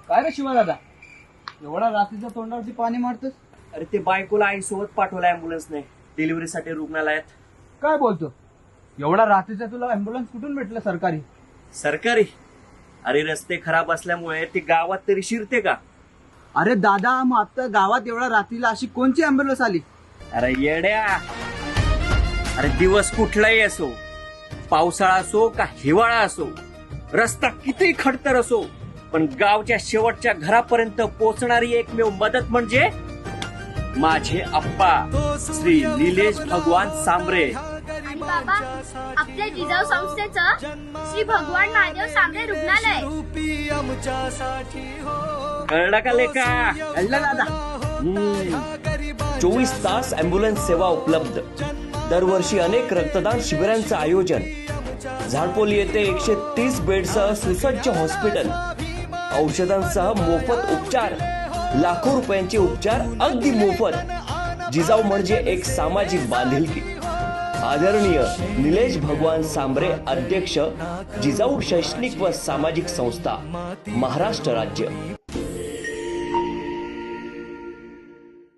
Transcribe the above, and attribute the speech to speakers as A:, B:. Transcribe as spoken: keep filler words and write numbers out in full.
A: काय रे शिवा दादा, एवढा रात्रीच्या तोंडावरती पाणी मारतोस?
B: अरे ते बायकोला आई सोबत पाठवलं अँब्युलन्सने डिलिव्हरीसाठी रुग्णालयात.
A: काय बोलतो? एवढा रात्रीचा तुला अँब्युलन्स कुठून भेटलं सरकारी?
B: सरकारी? अरे रस्ते खराब असल्यामुळे ती गावात तरी शिरते का?
A: अरे दादा, मग आता गावात एवढा रात्रीला अशी कोणची अँब्युलन्स आली?
B: अरे येड्या, अरे दिवस कुठलाही असो, पावसाळा असो का हिवाळा असो, रस्ता किती खडतर असो, पण गावच्या शेवटच्या घरापर्यंत पोहोचणारी एकमेव मदत म्हणजे माझे आप्पा श्री निलेश भगवान सांबरे.
C: आणि बाबा, आपल्या जिजाऊ संस्थेचं श्री भगवान महादेव सांबरे रुग्णालय.
B: कळलं का लेका?
A: कळलं दादा.
B: चोवीस तास अँब्युलन्स सेवा उपलब्ध. दरवर्षी अनेक रक्तदान शिबिरांचं आयोजन. झाडपोली येथे एकशे तीस बेडसह सुसज्ज हॉस्पिटल. औषधांसह मोफत उपचार. लाखो रुपयांचे उपचार अगदी मोफत. जिजाऊ म्हणजे एक सामाजिक बांधिलकी. आदरणीय निलेश भगवान सांबरे, अध्यक्ष, जिजाऊ शैक्षणिक व सामाजिक संस्था, महाराष्ट्र राज्य.